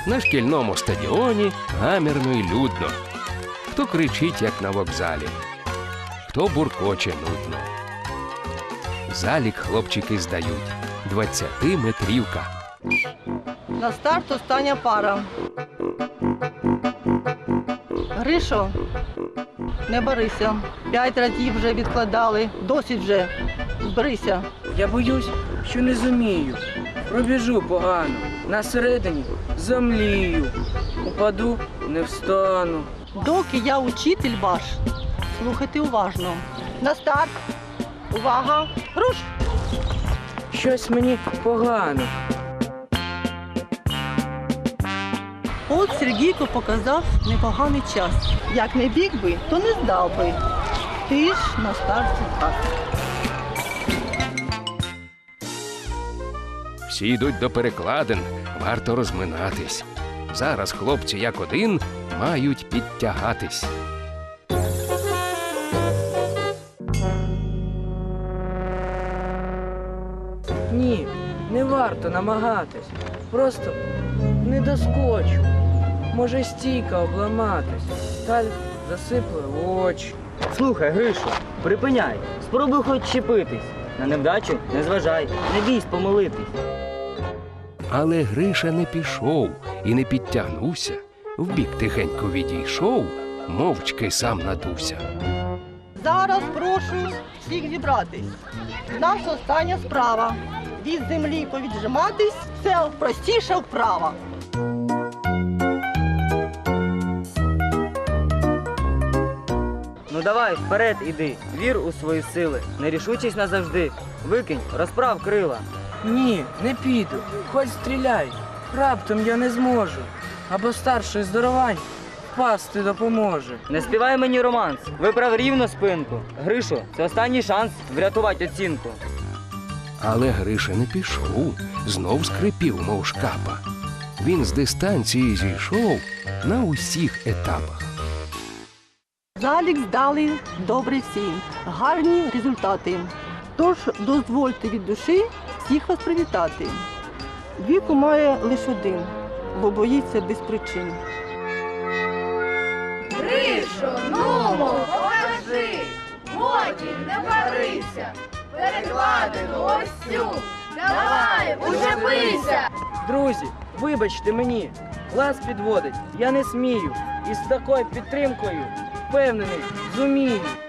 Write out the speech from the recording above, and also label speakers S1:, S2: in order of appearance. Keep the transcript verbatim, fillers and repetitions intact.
S1: На шкільному стадіоні гамірно й людно. Хто кричить, як на вокзалі, хто буркоче нудно. Залік хлопчики здають. Двадцятиметрівка.
S2: На старт остання пара. Гришо, не барися. П'ять разів вже відкладали. Досить вже. Зберися.
S3: Я боюсь, що не зумію. Пробіжу погано. На середині замлію. Упаду, не встану.
S2: Доки я учитель ваш, слухайте уважно. На старт. Увага. Руш!
S3: Щось мені погано.
S2: От Сергійко показав непоганий час. Як не біг би, то не здав би. Ти ж на старті так.
S1: Всі йдуть до перекладин, варто розминатись. Зараз хлопці як один мають підтягатись.
S3: Ні, не варто намагатись. Просто не доскочу. Може стійка обламатись. Таль засипле в очі.
S4: Слухай, Гришо, припиняй, спробуй хоч чіпитись. На невдачу не зважай, не бійсь помилитись.
S1: Але Гриша не пішов і не підтягнувся. Вбік тихенько відійшов, мовчки сам надувся.
S2: Зараз прошу всіх зібратись. У нас остання справа. Від землі повіджиматись – це простіша вправа.
S4: Ну давай, вперед іди, вір у свої сили, нерішучість назавжди. Викинь, розправ крила.
S3: Ні, не піду. Хоч стріляй. Раптом я не зможу. Або старший здоровань впасти допоможе.
S4: Не співай мені романс, виправ рівно спинку. Гришо, це останній шанс врятувати оцінку.
S1: Але Гриша не пішов, знов скрипів, мов шкапа. Він з дистанції зійшов на усіх етапах.
S2: Залік здали добре всі. Гарні результати. Тож дозвольте від душі всіх вас привітати. Віку має лише один, бо боїться без причин.
S5: Гришо, нумо, покажи, годі, не барися, перекладину ось цю, давай, учепися!
S3: Друзі, вибачте мені, клас підводить, я не смію. І з такою підтримкою, впевнений, зумію.